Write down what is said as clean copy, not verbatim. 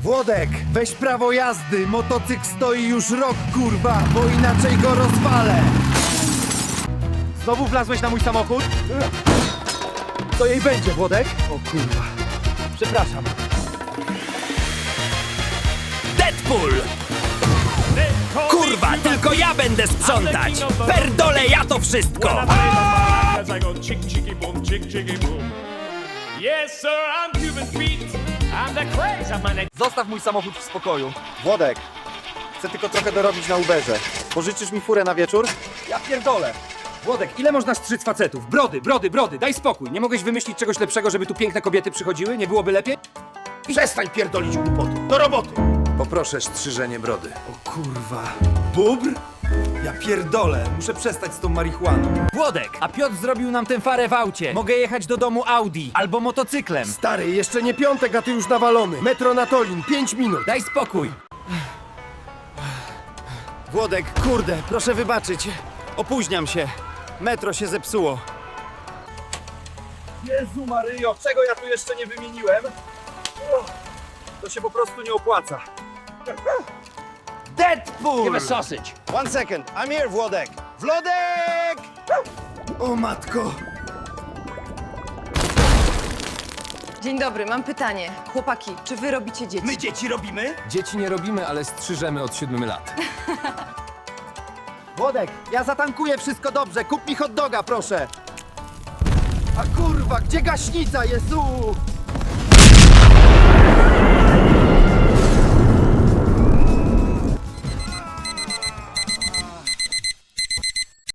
Włodek, weź prawo jazdy, motocykl stoi już rok, kurwa, bo inaczej go rozwalę. Znowu wlazłeś na mój samochód? Co jej będzie, Włodek? O kurwa. Przepraszam. Deadpool! Kurwa, tylko ja będę sprzątać! Perdolę ja to wszystko! As I go chick chicky boom, chick chicky boom. Yes, sir, I'm Cuban Pete. I'm the craze. I'm an Zostaw mój samochód w spokoju. Włodek, chcę tylko trochę dorobić na Uberze. Pożyczysz mi furę na wieczór? Ja pierdolę. Włodek, ile można strzyc facetów? Brody, brody, brody, daj spokój. Nie mogłeś wymyślić czegoś lepszego, żeby tu piękne kobiety przychodziły? Nie byłoby lepiej? Przestań pierdolić głupoty, do roboty! Poproszę strzyżenie brody. O kurwa. Bubr? Ja pierdolę, muszę przestać z tą marihuaną. Włodek, a Piotr zrobił nam tę farę w aucie. Mogę jechać do domu Audi albo motocyklem. Stary, jeszcze nie piątek, a ty już nawalony. Metro na Tolin, 5 minut. Daj spokój. Włodek, kurde, proszę wybaczyć. Opóźniam się. Metro się zepsuło. Jezu Maryjo, czego ja tu jeszcze nie wymieniłem? To się po prostu nie opłaca. Deadpool! Give a sausage. One second, I'm here, Włodek. Włodek! O matko. Dzień dobry, mam pytanie. Chłopaki, czy wy robicie dzieci? My dzieci robimy? Dzieci nie robimy, ale strzyżemy od 7 lat. Włodek, ja zatankuję, wszystko dobrze. Kup mi hot doga, proszę. A kurwa, gdzie gaśnica, Jezu?